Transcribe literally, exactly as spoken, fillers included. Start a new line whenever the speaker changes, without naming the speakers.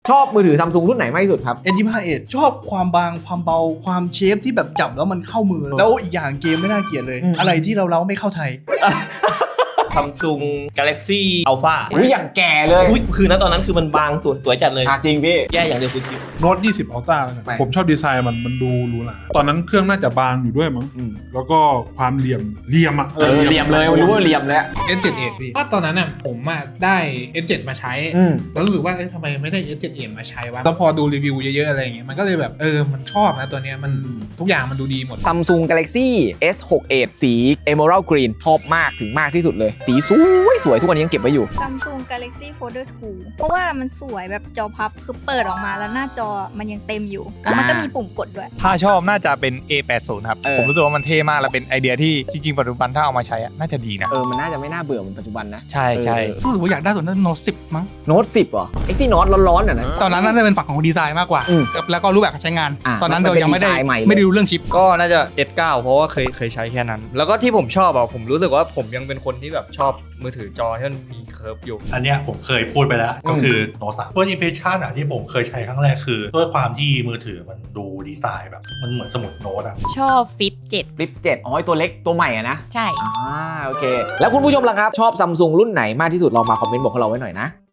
ชอบมือถือซัมซุงรุ่นไหนมากที่สุดครับ
เอส ยี่สิบห้า เอชอบความบางความเบาความเชฟที่แบบจับแล้วมันเข้ามือ แล้วอีกอย่างเกมไม่น่าเกลียดเลย อะไรที่เราเล้าไม่เข้าไทย
Samsung Galaxy Alpha
อุ้ยอย่างแก่เลย
อุ๊ยคือณตอนนั้นคือมันบางสวยสวยจัดเลย
อ่ะจริงพี่
แย่อย่างเดียวคือชิป
โน้ตยี่สิบ Ultra แล้วกัน
ไม่
ผมชอบดีไซน์มันมันดูหรูหราตอนนั้นเครื่องน่าจะบางอยู่ด้วยมั้ง
อืม
แล้วก็ความเหลี่ยมเหลี่ยมอ่ะ
เออเหลี่ยมเลยรู้ว่าเหลี่ยมเลยอะ
เอส เซเว่น เอช พี่ก็ตอนนั้นน่ะผมอ่ะได้ เอส เซเว่น มาใช้
อืม
แล้วรู้สึกว่าเอ๊ะทำไมไม่ได้ เอส เซเว่น เอช มาใช้วะแล้วพอดูรีวิวเยอะๆอะไรอย่างเงี้ยมันก็เลยแบบเออมันชอบนะตัวเนี้ยมันทุกอย่างมันดูดีหมด
Samsung Galaxy เอส หก เอช สี Emerald Green ชอบมากถึงมากที่สุดเลย สีสวยสวยทุกวันนี้ยังเก็บไว้อยู่
Samsung Galaxy Folder ทู เพราะว่ามันสวยแบบจอพับคือเปิดออกมาแล้วหน้าจอมันยังเต็มอยู่ แล้วมันก็มีปุ่มกดด้วย
ถ้าชอบน่าจะเป็น เอ แปดสิบ ครับ
เออ
ผมรู้สึกว่ามันเท่มาก และเป็นไอเดียที่จริงๆ ปัจจุบันถ้าเอามาใช้อะน่าจะดีนะ
เออมันน่าจะไม่น่าเบื่อเหมือนปัจจุบันนะ
ใช่ใช่
เออ
รู้สึกว่าอยากได้ตัวนั้นโน้ตสิบมั้ง
โน้ตสิบเหรอไอ้ที่โน้ตร้อนๆอ่ะนะ
ตอนนั้นน่าจะเป็นฝั่งของดีไซน์มากกว่า
อืม
แล้วก็รูปแบบการใช้งาน
อ่ะ
ตอนนั้น
มัน
เรา
เป็น
ยังไม่ได้
ดีไซน์ใหม่เลย
ไม่ได้รู้เรื่องชิป
ก็น่าจะ เอส เก้า เพราะว่าเคยเคยใช้แค่นั้น แล้วก็ที่ผมชอบอ่ะผมรู้สึกว่าผมยังเป็นคนที่แบบชอบมือถือจอที่มันมีเคิร์ฟอยู่
อันเนี้ยผมเคยพูดไปแล้วก็คือโน้ตสามเฟิร์สอิมเพรสชั่นอ่ะที่ผมเคยใช้ครั้งแรกคือด้วยความที่มือถือมันดูดีไซน์แบบมันเหมือนสมุดโน้ตอ่ะ
ชอบฟิปเจ็ด
ฟลิปเจ็ดอ๋อไอ้ตัวเล็กตัวใหม่อะนะ
ใช่
อ่าโอเค แล้วคุณผู้ชมล่ะครับ ชอบซัมซุงรุ่นไหนมากที่สุดลองมาคอมเมนต์บอกพวกเราไว้หน่อยนะ